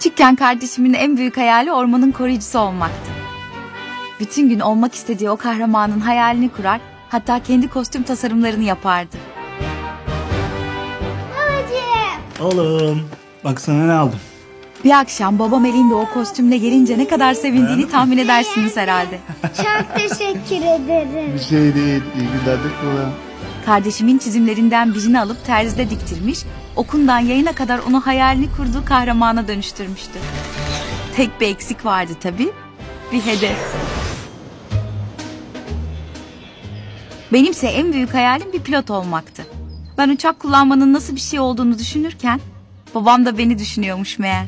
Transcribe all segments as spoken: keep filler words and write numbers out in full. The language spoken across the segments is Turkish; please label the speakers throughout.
Speaker 1: Küçükken kardeşimin en büyük hayali ormanın koruyucusu olmaktı. Bütün gün olmak istediği o kahramanın hayalini kurar, hatta kendi kostüm tasarımlarını yapardı.
Speaker 2: Babacığım.
Speaker 3: Oğlum bak sana ne aldım.
Speaker 1: Bir akşam babam elinde o kostümle gelince ne kadar sevindiğini tahmin edersiniz herhalde.
Speaker 2: Çok teşekkür ederim.
Speaker 3: Bir şey değil. İyi günler de kullan.
Speaker 1: Kardeşimin çizimlerinden birini alıp terzide diktirmiş, okundan yayına kadar onu hayalini kurduğu kahramana dönüştürmüştü. Tek bir eksik vardı tabii, bir hedef. Benimse en büyük hayalim bir pilot olmaktı. Ben uçak kullanmanın nasıl bir şey olduğunu düşünürken, babam da beni düşünüyormuş meğer.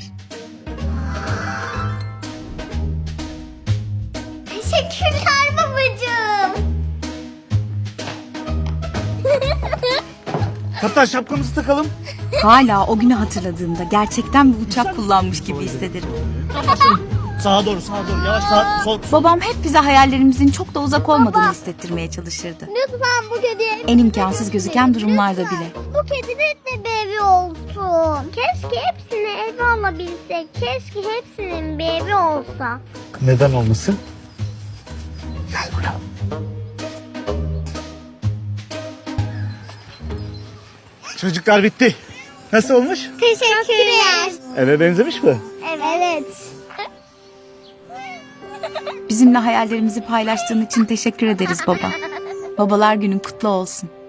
Speaker 2: Teşekkürler babacığım.
Speaker 3: Kaptan şapkamızı takalım.
Speaker 1: Hala o günü hatırladığımda gerçekten bir uçak kullanmış gibi hissederim.
Speaker 3: Sağa doğru sağa doğru yavaş sağa sol.
Speaker 1: Babam hep bize hayallerimizin çok da uzak olmadığını hissettirmeye çalışırdı.
Speaker 2: Lütfen bu kedi
Speaker 1: En imkansız gözüken durumlarda bile.
Speaker 2: Bu kedinin de bir evi olsun. Keşke hepsini eve alabilsek. Keşke hepsinin bir evi olsa.
Speaker 3: Neden olmasın? Çocuklar bitti. Nasıl olmuş?
Speaker 2: Teşekkürler.
Speaker 3: Eve benzemiş mi?
Speaker 2: Evet.
Speaker 1: Bizimle hayallerimizi paylaştığın için teşekkür ederiz baba. Babalar günün kutlu olsun.